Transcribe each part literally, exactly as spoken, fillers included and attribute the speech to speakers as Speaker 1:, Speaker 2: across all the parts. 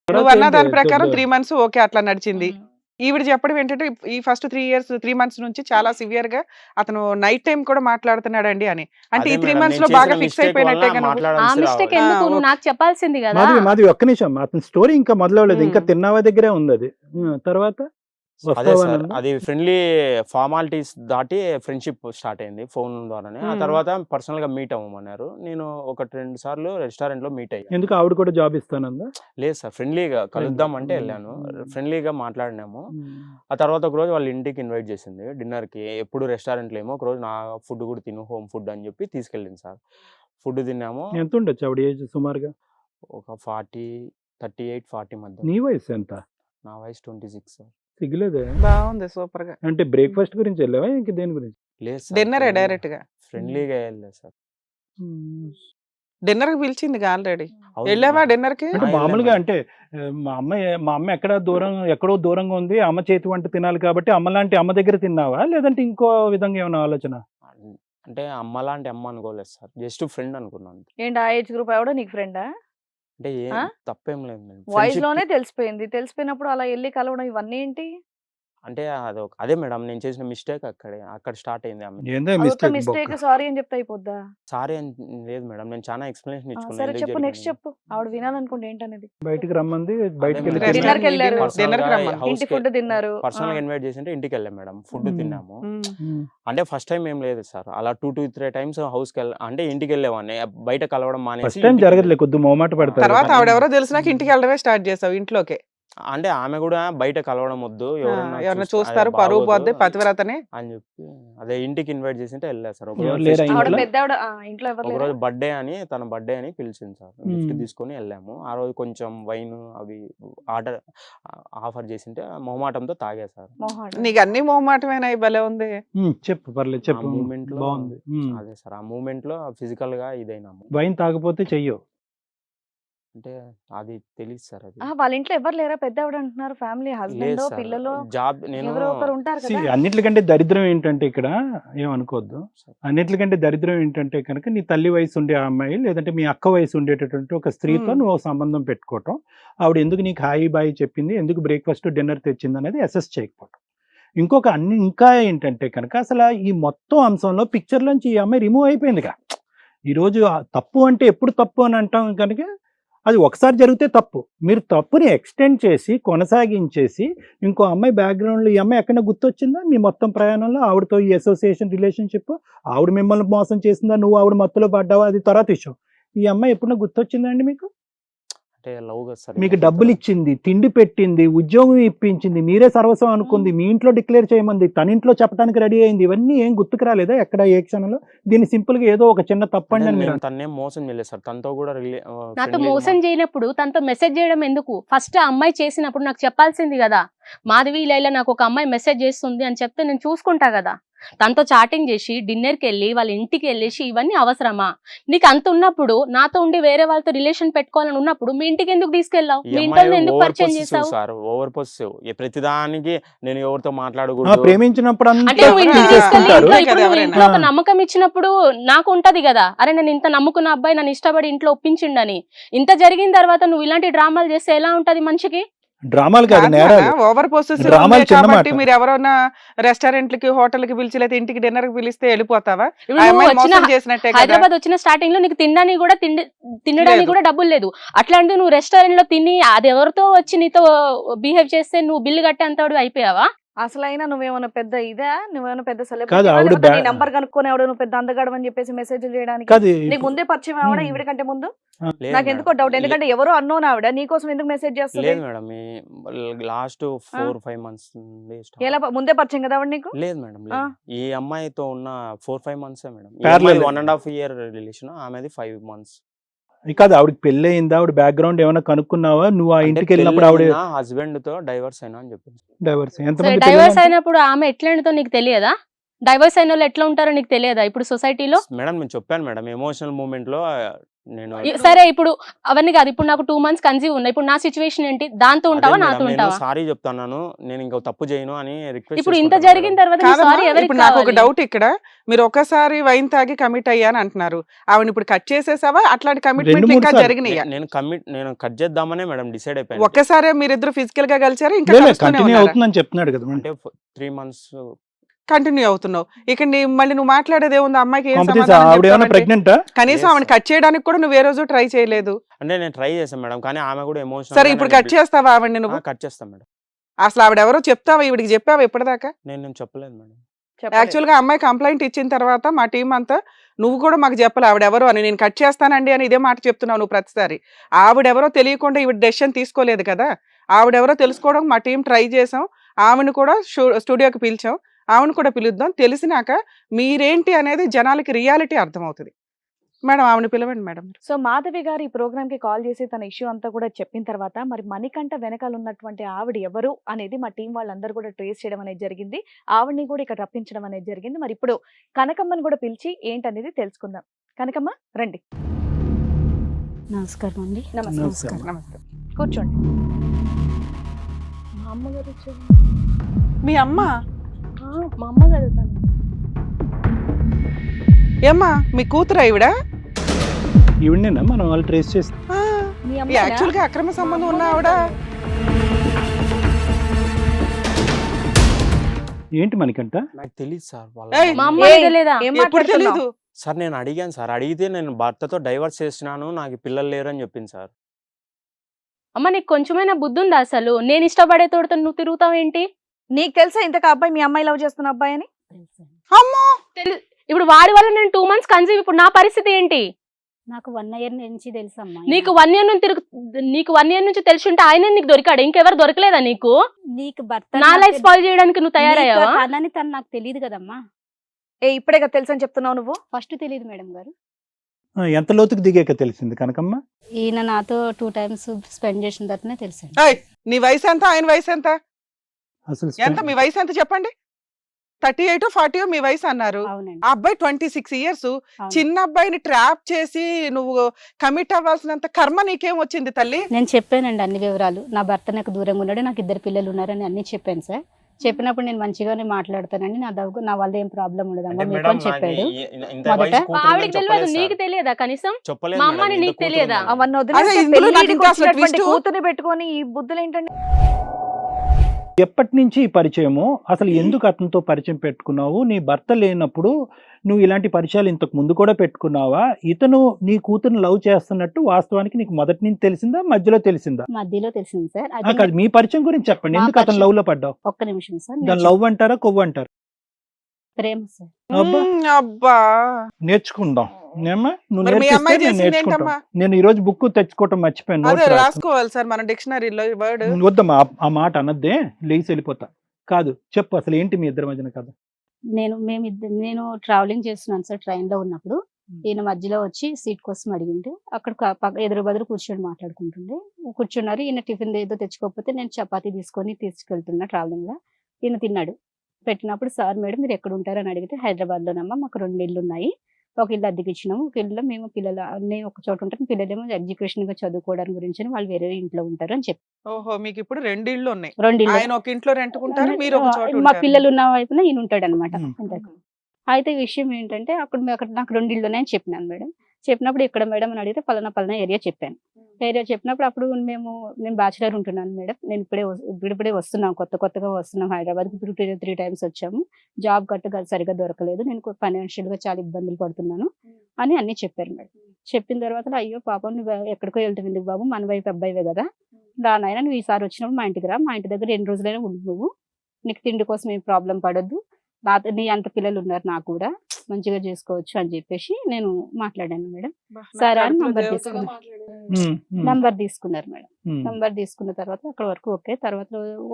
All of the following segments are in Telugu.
Speaker 1: తర్వాత
Speaker 2: నువ్వన్న
Speaker 1: ఏంటి
Speaker 2: దాని ప్రకారం
Speaker 1: దొబ్బ
Speaker 2: త్రీ మంత్స్ ఓకే అట్లా నడిచింది.
Speaker 3: హ్మ్.
Speaker 2: ఈవిడ చెప్పడం ఏంటంటే, ఈ first three years three months నుంచి చాలా సివియర్‌గా అతను నైట్ టైమ్ కూడా మాట్లాడుతున్నాడండి అని. అంటే
Speaker 4: అదే
Speaker 2: ఈ త్రీ
Speaker 4: మేడం. నేను
Speaker 2: మంత్స్‌లో బాగా
Speaker 4: చేసిన
Speaker 2: ఫిక్స్
Speaker 4: మిస్టేక్ వల్ల
Speaker 2: అయిపోయినట్టేగా నువ్వు.
Speaker 3: ఆ
Speaker 4: మాట్లాడాల్సి
Speaker 3: మిస్టేక్
Speaker 4: రావాలి.
Speaker 2: ఆ!
Speaker 3: ఎందుకు నువ్వు
Speaker 2: ఓకే.
Speaker 3: నాకు చెప్పాల్సింది కదా.
Speaker 1: మాధవి మాధవి ఒక్క నిమిషం అతని స్టోరీ ఇంకా మొదలవలేదు. ఇంకా
Speaker 2: హ్మ్.
Speaker 1: తిన్నావా దగ్గరే ఉంది అది. హ్మ్. తర్వాత
Speaker 4: అదే
Speaker 1: వస్తావా
Speaker 4: సార్.
Speaker 1: అనందా?
Speaker 4: అది ఫ్రెండ్లీ ఫార్మాలిటీస్ దాటి ఫ్రెండ్‌షిప్ స్టార్ట్ అయింది ఫోన్ ద్వారానే. ఆ
Speaker 2: హ్మ్.
Speaker 4: తర్వాత పర్సనల్‌గా మీట్ అవ్వమన్నారు. నేను ఒకటి, రెండు సార్లు రెస్టారెంట్‌లో మీట్ అయ్యా.
Speaker 1: ఎందుకు ఆవిడ కూడా జాబ్ ఇస్తానందా?
Speaker 4: లేదు సార్. ఫ్రెండ్లీగా
Speaker 1: ఫ్రెండ్లీ.
Speaker 4: కలుద్దాం అంటే
Speaker 1: హ్మ్.
Speaker 4: ఎళ్ళాను.
Speaker 1: హ్మ్.
Speaker 4: ఫ్రెండ్లీగా మాట్లాడినాము.
Speaker 1: హ్మ్.
Speaker 4: ఆ తర్వాత ఒకరోజు వాళ్ళ ఇంటికి ఇన్వైట్ చేసింది డిన్నర్‌కి. ఎప్పుడు రెస్టారెంట్‌లో ఏమో ఒకరోజు నా ఫుడ్ కూడా తిను హోమ్ ఫుడ్ అని చెప్పి తీసుకెళ్ళింది సార్. ఫుడ్ తిన్నాము.
Speaker 1: ఎంత ఉండొచ్చు ఆవిడ ఏజ్ సుమారుగా?
Speaker 4: ఒక నలభై, ముప్పై ఎనిమిది, నలభై మధ్యలో.
Speaker 1: నీ వయసు ఎంత?
Speaker 4: నా వయసు ఇరవై ఆరు సార్.
Speaker 1: సిగ్గులేదే?
Speaker 2: బావుంది సూపర్‌గా.
Speaker 1: అంటే బ్రేక్‌ఫాస్ట్ గురించి ఎళ్ళావా? ఇంక దేని గురించి?
Speaker 4: లేదు సార్.
Speaker 2: డిన్నరే
Speaker 4: ఫ్రెండ్లీగా
Speaker 2: డైరెక్ట్‌గా.
Speaker 4: ఫ్రెండ్లీగా ఎళ్ళా సార్.
Speaker 1: హ్మ్.
Speaker 2: డిన్నర్‌కి పిలిచిందిగా ఆల్రెడీ.
Speaker 4: అవును
Speaker 2: ఎళ్ళావా
Speaker 4: మేడం.
Speaker 2: డిన్నర్‌కి?
Speaker 4: ఆ!
Speaker 1: అంటే
Speaker 4: ఎళ్ళాను
Speaker 1: మామూలుగా
Speaker 4: మేడం.
Speaker 1: అంటే ఆహ్, మా అమ్మ మా అమ్మ ఎక్కడ దూరం ఎక్కడో దూరంగా ఉంది. అమ్మ చేతి వంట తినాలి కాబట్టి అమ్మలాంటి అమ్మ దగ్గర తిన్నావా? లేదంటే ఇంకో విధంగా ఏమైనా ఆలోచన?
Speaker 4: అన్ అంటే అమ్మలాంటి అమ్మ అనుకోలేదు సార్. జస్ట్ ఫ్రెండ్ అనుకున్నాను.
Speaker 3: ఏంటి ఆ ఏజ్ గ్రూప్ ఎవడో నీకు ఫ్రెండా?
Speaker 4: అంటే
Speaker 3: ఆ?
Speaker 4: ఏం తప్పేం లేదు మేడం.
Speaker 3: వాయిస్
Speaker 4: ఫ్రెండ్‌షిప్‌కి
Speaker 3: లోనే తెలిసిపోయింది. తెలిసిపోయినప్పుడు అలా ఎళ్లి కలవడం ఇవన్నీ ఏంటి?
Speaker 4: అంటే అదొక అదే మేడం నేను చేసిన మిస్టేక్ అక్కడే. అక్కడ స్టార్ట్ అయింది ఆమె.
Speaker 1: ఏందో
Speaker 3: అదొక
Speaker 1: మిస్టేక్
Speaker 3: మిస్టేక్
Speaker 1: బొక్క.
Speaker 3: సారీ అని చెప్తే అయిపోద్దా?
Speaker 4: సారీ అని లేదు మేడం. నేను చానా ఎక్స్‌ప్లనేషన్
Speaker 3: ఆ!
Speaker 4: ఇచ్చుకున్నా
Speaker 3: సరే
Speaker 4: ఎందుకు
Speaker 3: చెప్పు నెక్స్ట్
Speaker 4: జరిగిందని.
Speaker 3: చెప్పు. ఆవిడ వినాలనుకుంటే ఏంటనేది.
Speaker 1: బయటికి రమ్మంది.
Speaker 4: అదే
Speaker 1: బయటికెళ్ళి
Speaker 4: మేడం.
Speaker 1: తిన్నారు.
Speaker 3: డిన్నర్‌కి ఎళ్లారు.
Speaker 2: డిన్నర్‌కి
Speaker 4: పర్సనల్‌గా
Speaker 2: రమ్మను.
Speaker 3: ఇంటి
Speaker 4: హౌస్‌కి
Speaker 3: ఫుడ్ తిన్నారు. ఆ!
Speaker 4: పర్సనల్‌గా ఇన్వైట్ చేసింటే ఇంటికెళ్ళాం మేడం. ఫుడ్
Speaker 1: హ్మ్.
Speaker 4: తిన్నాము.
Speaker 2: హ్మ్.
Speaker 1: హ్మ్.
Speaker 4: అంటే ఫస్ట్ టైమ్ ఏం లేదు సార్. అలా రెండు, మూడు టైమ్స్ హౌస్‌కెళ్ళ అంటే ఇంటికెళ్ళేవాడిని. బయట కలవడం మానేసి
Speaker 1: ఫస్ట్ టైమ్
Speaker 4: ఇంటికెళ్ళి
Speaker 1: జరగదులే కొద్దిగా మొహమాట పడతారు
Speaker 2: తర్వాత
Speaker 1: కదా!
Speaker 2: ఆవిడెవరో తెలిసినాక
Speaker 1: హ్మ్.
Speaker 2: ఇంటికెళ్ళడమే స్టార్ట్ చేసావు ఇంట్లోకే.
Speaker 4: అంటే ఆమె గూడా బయట కలవడం వద్దు.
Speaker 2: ఆ!
Speaker 4: ఎవరన్నా
Speaker 2: ఎవరైనా
Speaker 4: చూస్తే అదే
Speaker 2: చూస్తారు, పరువు
Speaker 4: బాగోదు
Speaker 2: పోద్ది, పతివ్రతని.
Speaker 4: అని జెప్పి అదే ఇంటికి ఇన్వైట్ చేసింటే ఎళ్ళా సార్.
Speaker 1: ఎవరు
Speaker 4: ఒకరోజు
Speaker 1: లేరా
Speaker 3: ఆవిడ
Speaker 4: ఫెస్టివల్
Speaker 1: ఇంట్లో?
Speaker 3: పెద్దావిడ ఆ! ఇంట్లో ఎవరు లేరా?
Speaker 4: ఒకరోజు బర్త్‌డే అని తన బర్త్‌డే అని పిలిచింది సార్. గిఫ్ట్
Speaker 1: హ్మ్.
Speaker 4: తీసుకొని ఎళ్ళాము. ఆ రోజు కొంచెం వైన్ అవి ఆర్డర్ ఆఫర్ చేసింటే మొహమాటంతో తాగా సార్.
Speaker 3: మొహాటం.
Speaker 2: నీకు అన్నీ మొహమాటమేనాయి భలే ఉంది.
Speaker 1: హ్మ్. చెప్పు పర్లేదు
Speaker 4: ఆ
Speaker 1: చెప్పు. హ్మ్.
Speaker 4: మూమెంట్‌లో
Speaker 1: బావుంది. హ్మ్.
Speaker 4: అదే సార్. ఆ మూమెంట్‌లో ఫిజికల్‌గా ఇదైనాము.
Speaker 1: వైన్ తాగపోతే చెయ్యవు.
Speaker 4: అంటే అది తెలీదు సార్ అది.
Speaker 3: ఆ! వాళ్ళ ఇంట్లో ఎవరు లేరా? పెద్దావిడ అంటున్నారు. ఫ్యామిలీ
Speaker 4: లేదు
Speaker 3: హస్బెండో,
Speaker 4: సార్.
Speaker 3: పిల్లలో
Speaker 4: జాబ్ నేను
Speaker 3: ఎవరో ఒకరు ఉంటారు
Speaker 1: సీ
Speaker 3: కదా!
Speaker 1: అన్నిట్లకంటే దరిద్రం ఏంటంటే ఇక్కడ ఏమనుకోవద్దు.
Speaker 4: సార్
Speaker 1: అన్నిట్లకంటే దరిద్రం ఏంటంటే కనుక నీ తల్లి వయసు ఉండే ఆ అమ్మాయి లేదంటే మీ అక్క వయసు ఉండేటటువంటి ఒక స్త్రీతో
Speaker 2: హ్మ్.
Speaker 1: నువ్వు సంబంధం పెట్టుకోవటం. ఆవిడ ఎందుకు నీకు హాయి బాయి చెప్పింది, ఎందుకు బ్రేక్‌ఫాస్ట్, డిన్నర్ తెచ్చిందనేది అసెస్ చేయకపోవటం. ఇంకొక అన్ని ఇంకా ఏంటంటే కనుక అసల ఈ మొత్తం అంశంలో పిక్చర్‌లోంచి ఈ అమ్మాయి రిమూవ్ అయిపోయిందిగా. ఈరోజు ఆ తప్పు అంటే ఎప్పుడు తప్పు అని అంటాం కనుక అది ఒకసారి జరిగితే తప్పు. మీరు తప్పుని ఎక్స్‌టెండ్ చేసి, కొనసాగించేసి ఇంకో అమ్మాయి బ్యాక్‌గ్రౌండ్‌లో ఈ అమ్మాయి ఎక్కడైనా గుర్తొచ్చిందా? మీ మొత్తం ప్రయాణంలో ఆవిడతో ఈ అసోసియేషన్ రిలేషన్‌షిప్ ఆవిడ మిమ్మల్ని మోసం చేసిందా? నువ్వు ఆవిడ మత్తులో పడ్డావా? అది తర్వాత విషయం. ఈ అమ్మాయి ఎప్పుడైనా గుర్తొచ్చిందా అండి మీకు?
Speaker 4: అంటే లవ్ కదా సార్.
Speaker 1: మీకు
Speaker 4: ఇంకా
Speaker 1: డబ్బులిచ్చింది, తిండి పెట్టింది, ఉద్యోగం ఇప్పించింది, మీరే సర్వస్వం అనుకుంది,
Speaker 3: హ్మ్.
Speaker 1: మీ ఇంట్లో డిక్లేర్ చేయమంది, తన ఇంట్లో చెప్పడానికి రెడీ అయింది. ఇవన్నీ ఏం గుర్తుకు రాలేదా ఎక్కడ ఏ క్షణంలో? దీన్ని సింపుల్‌గా ఏదో ఒక చిన్న
Speaker 4: అంటే
Speaker 1: తప్పండి అని మీరు
Speaker 4: నేను తననేం మోసం చేయలేదు సార్. తనతో కూడా రిలే ఆహ్,
Speaker 5: నాతో
Speaker 4: ఫ్రెండ్లీగా
Speaker 5: మోసం
Speaker 4: మా
Speaker 5: చేయనప్పుడు తనతో మెసేజ్ చేయడం ఎందుకు? ఫస్ట్ ఆ అమ్మాయి చేసినప్పుడు నాకు చెప్పాల్సింది గదా! మాధవి ఇలా ఇలా నాకు ఒక అమ్మాయి మెసేజ్ చేస్తుంది అని చెప్తే నేను చూసుకుంటా గదా! తనతో చాటింగ్ చేసి, డిన్నర్‌కెళ్ళి, వాళ్ళ ఇంటికెళ్ళేసి ఇవన్నీ అవసరమా? నీకు అంత ఉన్నప్పుడు నాతో ఉండి వేరే వాళ్ళతో రిలేషన్ పెట్టుకోవాలని ఉన్నప్పుడు మీ ఇంటికి ఎందుకు తీసుకెళ్ళావు?
Speaker 4: ఈ
Speaker 5: మీ
Speaker 4: అమ్మాయి
Speaker 5: ఇంటోళ్ళని ఎందుకు
Speaker 4: ఓవర్
Speaker 5: పరిచయం
Speaker 4: పొసెసివ్
Speaker 5: చేసావు?
Speaker 4: సార్. Over possessive. ఏ ప్రతిదానికి నేను ఎవరితో
Speaker 1: ఆ!
Speaker 4: మాట్లాడకూడదు.
Speaker 1: ప్రేమించినప్పుడు
Speaker 5: అంటే
Speaker 1: అంతా
Speaker 5: నువ్వు
Speaker 2: ఎవరా
Speaker 5: ఇంటికి తీసుకెళ్ళి
Speaker 1: చేసుకుంటారు.
Speaker 5: ఇంట్లో
Speaker 2: అంతే
Speaker 5: ఇప్పుడు
Speaker 2: కదా
Speaker 5: నువ్వు
Speaker 2: ఎవరైనా.
Speaker 5: ఇంట్లో ఒక
Speaker 1: ఆ!
Speaker 5: నమ్మకం ఇచ్చినప్పుడు నాకు ఉంటది గదా! అరే నేను ఇంత నమ్ముకున్న అబ్బాయి నన్ను ఇష్టపడి ఇంట్లో ఒప్పించిండని. ఇంత జరిగిన తర్వాత నువ్వు ఇలాంటి డ్రామాలు చేస్తే ఎలా ఉంటది మనిషికి?
Speaker 1: డ్రామాలు కాదు
Speaker 2: కాదు నాన్న,
Speaker 1: నేరాలు.
Speaker 2: ఓవర్ పొసెసివ్ ఉంది
Speaker 1: డ్రామాలు చిన్న
Speaker 2: కాబట్టి
Speaker 1: మాట.
Speaker 2: మీరు ఎవరైనా రెస్టారెంట్‌లకి, హోటల్‌కి పిలిచి లేతే ఇంటికి డిన్నర్‌కి పిలిస్తే ఎళ్ళిపోతావా?
Speaker 5: ఇప్పుడు
Speaker 2: ఆ
Speaker 5: నువ్వు
Speaker 2: అమ్మాయిని
Speaker 5: వచ్చిన
Speaker 2: మోసం చేసినట్టే కదా!
Speaker 5: హైదరాబాద్ వచ్చిన స్టార్టింగ్ లో నీకు తినడానికి కూడా తిండి తినడానికి
Speaker 2: లేదు.
Speaker 5: కూడా డబ్బులు లేదు. అట్లాంటిది నువ్వు రెస్టారెంట్ లో తిని అది ఎవరితో వచ్చి నీతో బిహేవ్ చేస్తే నువ్వు బిల్లు కట్టేంతోడు అయిపోయావా?
Speaker 3: అసలైనా నువ్వేమన్నా పెద్ద ఇదా? నువ్వేమన్నా పెద్ద
Speaker 1: కాదు
Speaker 3: సెలబ్రిటీవా?
Speaker 1: ఆవిడ
Speaker 3: లేకపోతే నీ
Speaker 1: బ్యా
Speaker 3: నంబర్ కనుక్కొని ఎవడో నువ్వు పెద్ద అందగాడివి అని చెప్పేసి మెసేజ్‌లు చేయడానికి?
Speaker 1: కాదు
Speaker 3: నీకు
Speaker 1: ఇప్పుడు
Speaker 3: ముందే పరిచయం ఆవిడ
Speaker 1: హ్మ్.
Speaker 3: ఈవిడ కంటే ముందు?
Speaker 1: ఆ!
Speaker 4: లేదు
Speaker 3: నాకెందుకో
Speaker 4: మేడం.
Speaker 3: డౌట్.
Speaker 4: లే
Speaker 3: ఎందుకంటే ఎవరో అన్నోన్ ఆవిడ నీకోసం ఎందుకు మెసేజ్ చేస్తది?
Speaker 4: లేదు మేడం. ఈ లాస్ట్
Speaker 3: ఆ!
Speaker 4: నాలుగు, ఐదు మంత్స్ నుండి స్టార్ట్.
Speaker 3: ఎలా ప ముందే పరిచయం కదా ఆవిడ నీకు?
Speaker 4: లేదు మేడం.
Speaker 3: ఆ!
Speaker 4: లేదు. ఈ అమ్మాయితో ఉన్న నాలుగు, ఐదు మంత్సే మేడం. ఈ
Speaker 1: ప్యారలల్
Speaker 4: అమ్మాయిది ఒకటి ½ ఇయర్ రిలేషన్. ఆమెది ఐదు మంత్స్.
Speaker 1: కాదు ఆవిడకి పెళ్ళయిందా? ఆవిడ బ్యాక్‌గ్రౌండ్ ఏమైనా కనుక్కున్నావా? నువ్వు ఆ
Speaker 4: అంటే
Speaker 1: ఇంటికెళ్ళినప్పుడు ఆవిడ
Speaker 4: పెళ్లయిన హస్బెండ్‌తో డైవర్స్ అయినా అని చెప్పింది.
Speaker 1: డైవర్స్
Speaker 5: సరే
Speaker 1: ఎంతమంది
Speaker 5: డైవర్స్
Speaker 1: పిల్లలంట?
Speaker 5: అయినప్పుడు ఆమె ఎట్లాంటిదో నీకు తెలియదా? డైవర్స్ అయినోళ్ళు ఎట్లా ఉంటారో నీకు తెలియదా ఇప్పుడు సొసైటీలో?
Speaker 4: మేడం నేను చెప్పాను మేడం. ఎమోషనల్ మూమెంట్‌లో నేను
Speaker 5: ఇ- సరే ఇప్పుడు అవన్నీ కాదు, ఇప్పుడు నాకు టూ మంత్స్ కన్సీవ్ ఉన్నాయి, ఇప్పుడు నా సిచ్యువేషన్ ఏంటి? దాంతో ఉంటావా నాతో ఉంటావా?
Speaker 4: సారీ చెప్తాను, నేను ఇంకా తప్పు చేయను అని రిక్వెస్ట్
Speaker 5: ఇప్పుడు ఇంత జరిగిన తర్వాత
Speaker 2: కాదమ్మా,
Speaker 5: సారీ ఎవరికి
Speaker 2: ఇప్పుడు నాకు ఒక
Speaker 5: కావాలి?
Speaker 2: డౌట్ ఇక్కడ. మీరు ఒకసారి వైన్ తాగి కమిట్ అయ్యాను అంటున్నారు, ఆవిడ ఇప్పుడు కట్ చేసేసావా? అట్లాంటి కమిట్మెంట్
Speaker 1: మూడు
Speaker 2: ఇంకా
Speaker 1: సార్లు.
Speaker 2: జరిగినాయా?
Speaker 4: నేను కమిట్ నేను కట్ చేద్దామనే మేడం డిసైడ్ అయిపోయాను.
Speaker 2: ఒక్కసారి మీరిద్దరు ఫిజికల్ గా కలిసారా? ఇంకా
Speaker 1: కంటిన్యూ అవుతుందని చెప్తున్నాడు కదా మేడం.
Speaker 4: అంటే త్రీ మంత్స్
Speaker 2: కంటిన్యూ అవుతున్నావు. ఇక్కడ నీ- మళ్ళీ నువ్వు మాట్లాడేది ఏముంది? అమ్మాయికి ఏం
Speaker 1: కాంపిటీస్
Speaker 2: సమాధానం
Speaker 1: ఆవిడ ఏమైనా
Speaker 2: చెప్తావంటే?
Speaker 1: ప్రెగ్నెంటా?
Speaker 2: కనీసం
Speaker 4: Yes,
Speaker 2: ఆవిడ
Speaker 4: sir.
Speaker 2: కట్ చేయడానికి కూడా నువ్వు ఏ రోజు ట్రై చేయలేదు.
Speaker 4: అంటే నేను ట్రై చేశాను మేడం, కానీ ఆమె కూడా ఎమోషన్.
Speaker 2: సరే ఇప్పుడు కట్ చేస్తావా ఆవిడని నువ్వు?
Speaker 4: కట్ చేస్తాను మేడం.
Speaker 2: అసలు ఆవిడ ఎవరో చెప్తావా? ఈవిడికి చెప్పావా ఇప్పటిదాకా?
Speaker 4: నేను నేను చెప్పలేదు మేడం.
Speaker 3: చెప్పలేదు.
Speaker 2: యాక్చువల్ గా అమ్మాయి కంప్లైంట్ ఇచ్చిన తర్వాత మా టీం అంతా నువ్వు కూడా మాకు చెప్పాలి ఆవిడ ఎవరు అని. నేను కట్ చేస్తానండి అని ఇదే మాట చెప్తున్నావు నువ్వు ప్రతిసారి. ఆవిడెవరో తెలియకుండా ఈవిడ డెసిషన్ తీసుకోలేదు కదా. ఆవిడెవరో తెలుసుకోవడం మా టీం ట్రై చేసాం. ఆవిడని కూడా స్టూడియోకి పిలిచాం. ఆవిడని కూడా పిలుద్దాం. తెలిసినాక మీరేంటి అనేది జనాలకి రియాలిటీ అర్థమవుతుంది. మేడం ఆవిడని పిలవండి మేడం.
Speaker 3: సో మాధవి గారు ఈ ప్రోగ్రామ్ కి కాల్ చేసి తన ఇష్యూ అంతా కూడా చెప్పిన తర్వాత మరి మణికంఠ వెనకాల ఉన్నటువంటి ఆవిడ ఎవరు అనేది మా టీం వాళ్ళందరూ కూడా ట్రేస్ చేయడం అనేది జరిగింది. ఆవిడని కూడా ఇక్కడ రప్పించడం అనేది జరిగింది. మరి ఇప్పుడు కనకమ్మని కూడా పిలిచి ఏంటనేది తెలుసుకుందాం. కనకమ్మ రండి.
Speaker 6: నమస్కారం అండి.
Speaker 3: నమస్తే.
Speaker 1: నమస్కారం.
Speaker 2: నమస్తే.
Speaker 3: కూర్చోండి. మా అమ్మగారు వచ్చారు.
Speaker 2: మీ అమ్మ
Speaker 5: ఆ, మా అమ్మగారు తను.
Speaker 2: ఏమ్మా మీ కూతురు ఈవిడ?
Speaker 1: ఈవిడనేనా మనం వాళ్ళు ట్రేస్ చేసి
Speaker 3: మీ
Speaker 2: యాక్చువల్ గా అక్రమ సంబంధం ఉన్న ఆవిడ.
Speaker 1: ఏంటి మనకంట?
Speaker 4: నాకు తెలియదు సార్ వాళ్ళ
Speaker 2: ఏయ్,
Speaker 5: మా అమ్మ
Speaker 3: ఏయ్,
Speaker 5: తెలియదా?
Speaker 3: ఏం
Speaker 2: ఎప్పుడు
Speaker 3: మాట్లాడుతున్నావు?
Speaker 2: తెలీదు.
Speaker 4: సార్ నేను అడిగాను సార్, అడిగితే నేను భర్తతో డైవర్స్ చేస్తున్నాను, నాకు పిల్లలు లేరు అని చెప్పింది సార్.
Speaker 5: అమ్మ నీకు కొంచెమైనా బుద్ధి ఉందా అసలు? నేను ఇష్టపడే తోడుతో నువ్వు తిరుగుతావు ఏంటి?
Speaker 3: నీకు తెలుసా ఇంతకు అబ్బాయి మీ అమ్మాయి లవ్ చేస్తున్న అబ్బాయి అని?
Speaker 2: అమ్మో
Speaker 5: తెలు- ఇప్పుడు వాడి వల్ల నేను టూ మంత్స్ కన్సీవ్, ఇప్పుడు నా పరిస్థితి ఏంటి?
Speaker 6: నాకు వన్ ఇయర్ నుంచి తెలుసు అమ్మా.
Speaker 5: నీకు వన్ ఇయర్ నుంచి తిరుగు నీకు వన్ ఇయర్ నుంచి తెలిసి ఉంటే ఆయన నీకు దొరికాడు, ఇంకెవరు దొరకలేదా నీకు?
Speaker 6: నీకు భర్త
Speaker 5: నా లైఫ్ స్పాయిల్ చేయడానికి నువ్వు తయారయ్యావా?
Speaker 6: తనని తను నాకు తెలియదు కదమ్మా.
Speaker 3: ఏ ఇప్పుడే కదా తెలుసు అని చెప్తున్నావు నువ్వు?
Speaker 6: ఫస్ట్ తెలియదు మేడం గారు.
Speaker 1: ఆ, ఎంత లోతుకు దిగాక తెలిసింది కనకమ్మ?
Speaker 6: ఈయన నాతో టూ టైమ్స్ స్పెండ్ చేసిన తర్వాతనే తెలుసు.
Speaker 2: ఏయ్, నీ వయసు ఎంత? ఆయన వయసు ఎంత?
Speaker 1: అసలు
Speaker 2: ఎంత మీ వయసు ఎంత చెప్పండి? థర్టీ ఎయిట్ ఫార్టీ మీ వయసు అన్నారు.
Speaker 6: అవునండి.
Speaker 2: ఆ అబ్బాయి ట్వంటీ సిక్స్ ఇయర్స్.
Speaker 6: అవును.
Speaker 2: చిన్న అబ్బాయిని ట్రాప్ చేసి నువ్వు కమిట్ అవ్వాల్సినంత కర్మ నీకేం వచ్చింది తల్లి?
Speaker 6: నేను చెప్పానండి అన్ని వివరాలు. నా భర్త నాకు దూరంగా ఉన్నాడు, నాకు ఇద్దరు పిల్లలు ఉన్నారని అన్ని చెప్పాను సార్. చెప్పినప్పుడు నేను మంచిగానే మాట్లాడతానండి, నా దగ్గర నా వల్ల ఏం ప్రాబ్లం ఉండదమ్మా
Speaker 4: అంటే
Speaker 6: మీకు
Speaker 4: మేడం
Speaker 6: అని చెప్పాడు.
Speaker 4: నాకు ఈ- ఈ- ఇంత
Speaker 6: మొదట
Speaker 4: వయసు కూతురు
Speaker 5: ఆవిడకి
Speaker 4: ఉందని
Speaker 5: తెలియదు,
Speaker 4: చెప్పలేదు
Speaker 5: నీకు
Speaker 4: సార్.
Speaker 5: తెలియదా కనీసం?
Speaker 4: చెప్పలేదు
Speaker 5: మా
Speaker 4: మేడం,
Speaker 5: అమ్మని
Speaker 4: ఇంత
Speaker 5: నీకు
Speaker 4: కూతురు
Speaker 5: తెలియదా?
Speaker 4: ఉందని.
Speaker 3: అవన్నీ
Speaker 2: అదే
Speaker 3: వదిలేస్తే
Speaker 2: ఇందులో నాకు
Speaker 3: పెళ్లిడికి
Speaker 2: ఇంకా అసలు
Speaker 3: వచ్చినటువంటి
Speaker 2: twist-
Speaker 3: కూతుర్ని పెట్టుకొని ఈ బుద్ధులు ఏంటండి?
Speaker 1: ఎప్పటి నుంచి ఈ పరిచయము? అసలు ఎందుకు అతనితో పరిచయం పెట్టుకున్నావు? నీ భర్త లేనప్పుడు నువ్వు ఇలాంటి పరిచయాలు ఇంతకు ముందు కూడా పెట్టుకున్నావా? ఇతను నీ కూతురుని లవ్ చేస్తున్నట్టు వాస్తవానికి నీకు మొదటి నుంచి తెలిసిందా, మధ్యలో తెలిసిందా?
Speaker 6: మధ్యలో తెలిసింది సార్.
Speaker 1: ఆ,
Speaker 6: అది
Speaker 1: కాదు, మీ పరిచయం గురించి చెప్పండి.
Speaker 6: మా
Speaker 1: ఎందుకు అతను
Speaker 6: పరిచయం-
Speaker 1: లవ్ లో పడ్డావు?
Speaker 6: ఒక్క నిమిషం సార్. నేను
Speaker 1: దాని లవ్ అంటారా, కొవ్వు అంటారా?
Speaker 6: ప్రేమ సార్.
Speaker 1: అబ్బా,
Speaker 2: మ్మ్, అబ్బా
Speaker 1: నేర్చుకుందాం. ఏమ్మా? నువ్వు
Speaker 2: మరి మీ
Speaker 1: నేర్పిస్తే
Speaker 2: అమ్మాయి
Speaker 1: నేను
Speaker 2: చేసింది
Speaker 1: నేర్చుకుంటాను.
Speaker 2: ఏంటమ్మా?
Speaker 1: నేను ఈ రోజు బుక్ తెచ్చుకోవటం మర్చిపోయాను.
Speaker 2: అదే
Speaker 1: notes రాసుకున్నా.
Speaker 2: రాసుకోవాలి సార్ మన డిక్షనరీలో వర్డ్.
Speaker 1: వద్దమ్మా, ఆ- ఆ మాట అనద్దే, లేచి వెళ్ళిపోతా. కాదు, చెప్పు అసలు ఏంటి మీ ఇద్దరి మధ్యన కథ?
Speaker 6: నేను మేము ఇద్దరు నేను ట్రావెలింగ్ చేస్తున్నాను సార్ ట్రైన్ లో ఉన్నప్పుడు. ఈయన మధ్యలో వచ్చి సీట్ కోసం అడిగింది. అక్కడ క- పక్క- ఎదురు బదురు కూర్చొని మాట్లాడుకుంటుండే కూర్చున్నారు. ఈయన టిఫిన్ ఏదో తెచ్చుకోకపోతే నేను చపాతీ తీసుకొని తీసుకెళ్తున్నా ట్రావెలింగ్ లో. ఈయన తిన్నాడు. పెట్టినప్పుడు సార్ మేడం మీరు ఎక్కడ ఉంటారని అడిగితే హైదరాబాద్ లోనమ్మా మాకు రెండు ఇళ్ళు ఉన్నాయి, ఒక ఇల్లు అద్దెకి ఇచ్చినాము, ఒక ఇల్లు మేము పిల్లలు నేను ఒక చోట ఉంటాను, పిల్లలేమో ఎడ్యుకేషన్ గా చదువుకోవడానికి గురించి అని వాళ్ళు వేరే ఇంట్లో ఉంటారు అని చెప్పి
Speaker 2: ఓహో మీకు ఇప్పుడు రెండు ఇళ్ళు ఉన్నాయి.
Speaker 6: రెండు ఇళ్ళు
Speaker 2: ఆయన ఒక ఇంట్లో రెంట్కుంటారు, మీరు ఒక చోట
Speaker 6: మా
Speaker 2: ఉంటారు.
Speaker 6: పిల్లలు ఉన్న వైపున ఈయన ఉంటాడు అనమాట.
Speaker 1: Hmm.
Speaker 6: అయితే విషయం ఏంటంటే అక్కడ మే- అక్కడ నాకు రెండు ఇళ్ళునే అని చెప్పినాను మేడం. చెప్పినప్పుడు ఇక్కడ మేడం అని అడిగితే పలానా పలానా ఏరియా చెప్పాను. ఏరియా చెప్పినప్పుడు అప్పుడు మేము నేను బ్యాచిలర్ ఉంటున్నాను మేడం, నేను ఇప్పుడే వస్- ఇప్పుడిప్పుడే వస్తున్నాం, కొత్త కొత్తగా వస్తున్నాం హైదరాబాద్, ఇప్పుడు త్రీ త్రీ టైమ్స్ వచ్చాము, జాబ్ కట్టుగా సరిగా దొరకలేదు, నేను ఫైనాన్షియల్ గా చాలా ఇబ్బందులు పడుతున్నాను అని అన్ని చెప్పారు మేడం. చెప్పిన తర్వాత అయ్యో పాపం నువ్వు ఎక్కడికో వెళ్తావు ఎందుకు బాబు, మన వైపు అబ్బాయివే కదా, రానాయన నువ్వు ఈసారి వచ్చినప్పుడు మా ఇంటికి రా, మా ఇంటి దగ్గర ఎన్ని రోజులైనా ఉండు, నువ్వు నీకు తిండి కోసం ఏం ప్రాబ్లం పడొద్దు, నా నీ అంత పిల్లలు ఉన్నారు నాకు కూడా, మంచిగా చేసుకోవచ్చు అని చెప్పేసి నేను మాట్లాడాను మేడం.
Speaker 2: బా, నా
Speaker 6: సరే అని
Speaker 2: కడుపులో
Speaker 6: నంబర్
Speaker 2: దేవతగా
Speaker 6: తీసుకున్నా.
Speaker 2: మాట్లాడారు.
Speaker 1: ఉమ్, ఉమ్,
Speaker 6: నంబర్ తీసుకున్నారు మేడం.
Speaker 1: ఉమ్.
Speaker 6: నంబర్ తీసుకున్న తర్వాత అక్కడ వరకు ఓకే. తర్వాత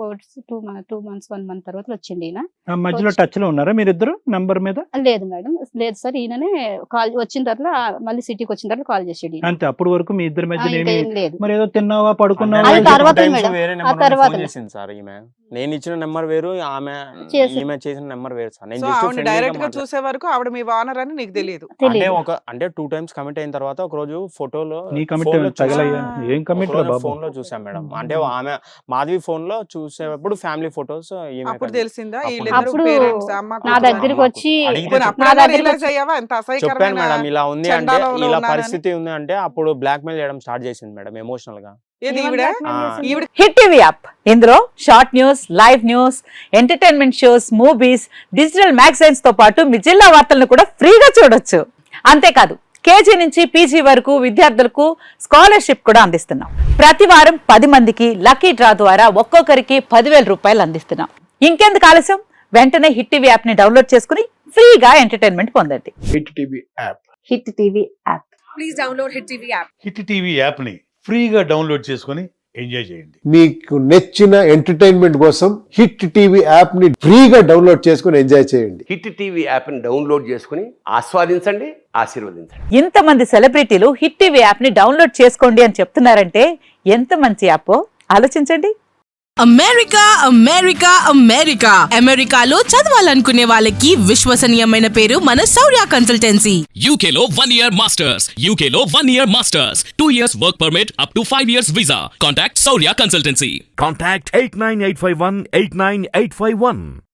Speaker 6: two two months one month తర్వాత వచ్చింది ఈయన.
Speaker 1: ఆ మధ్యలో టచ్ లో ఉన్నారా మీరిద్దరు నంబర్ మీద?
Speaker 6: లేదు మేడం, లేదు సార్, ఈయననే కాల్ వచ్చిన తర్వాత మళ్ళీ సిటీకి వచ్చిన తర్వాత కాల్ చేసాడు ఈయన.
Speaker 1: అంతే, అప్పటి వరకు మీ ఇద్దరి
Speaker 6: ఆ,
Speaker 1: మధ్య
Speaker 6: ఇంకా
Speaker 1: ఏమి
Speaker 6: ఏం లేదు.
Speaker 1: మరి ఏదో తిన్నావా, పడుకున్నావా?
Speaker 6: అది
Speaker 4: అంటే
Speaker 1: అని
Speaker 6: తర్వాత
Speaker 1: చెప్పి-
Speaker 4: two times
Speaker 6: మేడం.
Speaker 4: వేరే
Speaker 6: ఆ
Speaker 4: నెంబర్ నుండి
Speaker 6: తర్వాత
Speaker 4: ఫోన్
Speaker 6: మేడం.
Speaker 4: చేసింది సార్ ఈమె. నేను ఇచ్చిన నెంబర్ వేరు, ఆమె
Speaker 6: చేసి-
Speaker 4: ఈమె చేసిన నెంబర్ వేరు సార్. నేను
Speaker 2: సో
Speaker 4: జస్ట్
Speaker 2: ఆవిడ
Speaker 4: ఫ్రెండ్లీగా
Speaker 2: డైరెక్ట్ గా
Speaker 4: మాట్లాడాను.
Speaker 2: చూసే వరకు ఆవిడ ఆవిడ మీ వానర్ అని నీకు తెలియదు.
Speaker 4: అంటే
Speaker 6: తెలియదు.
Speaker 4: ఒక అంటే టూ టైమ్స్ కమిట్ అయిన తర్వాత ఒక రోజు ఫోటోలో
Speaker 1: నీ కమిట్
Speaker 4: phone లో
Speaker 1: తగలయ్యా
Speaker 2: చూసా.
Speaker 1: ఏం కమిట్ రా బాబు.
Speaker 4: ఫోన్ లో చూసాం మేడం. అంటే ఆమె మాధవి ఫోన్ లో చూసేటప్పుడు ఫ్యామిలీ ఫొటోస్
Speaker 2: అప్పుడు తెలిసిందా
Speaker 4: అప్పుడు
Speaker 2: వీళ్ళిద్దరు
Speaker 6: అప్పుడు
Speaker 2: పేరెంట్స్ అమ్మ
Speaker 6: నా
Speaker 2: కూతురు
Speaker 6: దగ్గరికి
Speaker 2: అని?
Speaker 6: వచ్చి
Speaker 4: అడిగితే
Speaker 2: పోనీ
Speaker 4: చెప్పాను.
Speaker 2: అప్పుడైనా
Speaker 6: నా దగ్గరికి
Speaker 2: realize అయ్యావా ఎంత
Speaker 4: చెప్పాను
Speaker 2: అసహ్యకరమైన
Speaker 4: మేడం ఇలా ఉంది అంటే
Speaker 2: చండాలంలో
Speaker 4: ఇలా
Speaker 2: ఉన్నానని?
Speaker 4: పరిస్థితి ఉంది అంటే అప్పుడు బ్లాక్ మెయిల్ చేయడం స్టార్ట్ చేసింది మేడం ఎమోషనల్ గా.
Speaker 2: ఏది
Speaker 3: ఏమని
Speaker 2: ఈవిడ
Speaker 3: blackmail
Speaker 4: ఆ,
Speaker 3: చేసింది?
Speaker 2: ఈవిడ
Speaker 7: హిట్ టీవీ యాప్ ఇందులో short news, live news, entertainment shows, movies, digital magazines తో పాటు మీ జిల్లా వార్తలను కూడా ఫ్రీగా చూడొచ్చు. అంతేకాదు కేజీ నుంచి పీజీ వరకు విద్యార్థులకు స్కాలర్షిప్ కూడా అందిస్తున్నాం. ప్రతి వారం పది మందికి లక్కీ డ్రా ద్వారా ఒక్కొక్కరికి పదివేల రూపాయలు అందిస్తున్నాం. ఇంకెందుకు ఆలస్యం, వెంటనే హిట్ టీవీ యాప్ ని డౌన్లోడ్ చేసుకుని ఫ్రీగా ఎంటర్టైన్మెంట్ పొందండి.
Speaker 8: Hit TV app
Speaker 7: hit TV app
Speaker 9: hit TV యాప్ని ఫ్రీగా డౌన్లోడ్ చేసుకొని ఎంజాయ్ చేయండి.
Speaker 8: మీకు నచ్చిన ఎంటర్టైన్మెంట్ కోసం హిట్ టీవీ యాప్ ని ఫ్రీగా డౌన్లోడ్ చేసుకుని ఎంజాయ్ చేయండి.
Speaker 10: హిట్ టీవీ యాప్ని డౌన్లోడ్ చేసుకుని ఆస్వాదించండి, ఆశీర్వదించండి.
Speaker 7: ఇంతమంది సెలబ్రిటీలు హిట్ టీవీ యాప్ ని డౌన్లోడ్ చేసుకోండి అని చెప్తున్నారంటే ఎంత మంచి యాప్ ఆలోచించండి.
Speaker 11: అమెరికా అమెరికా అమెరికా అమెరికాలో చదవాలనుకునే వాళ్ళకి విశ్వసనీయమైన పేరు మన శౌర్య కన్సల్టెన్సీ.
Speaker 12: యూకేలో వన్ ఇయర్ మాస్టర్స్ యూకేలో one year masters two years work permit up to five years visa. Contact Shaurya consultancy.
Speaker 13: Contact eight nine eight five one eight nine eight five one.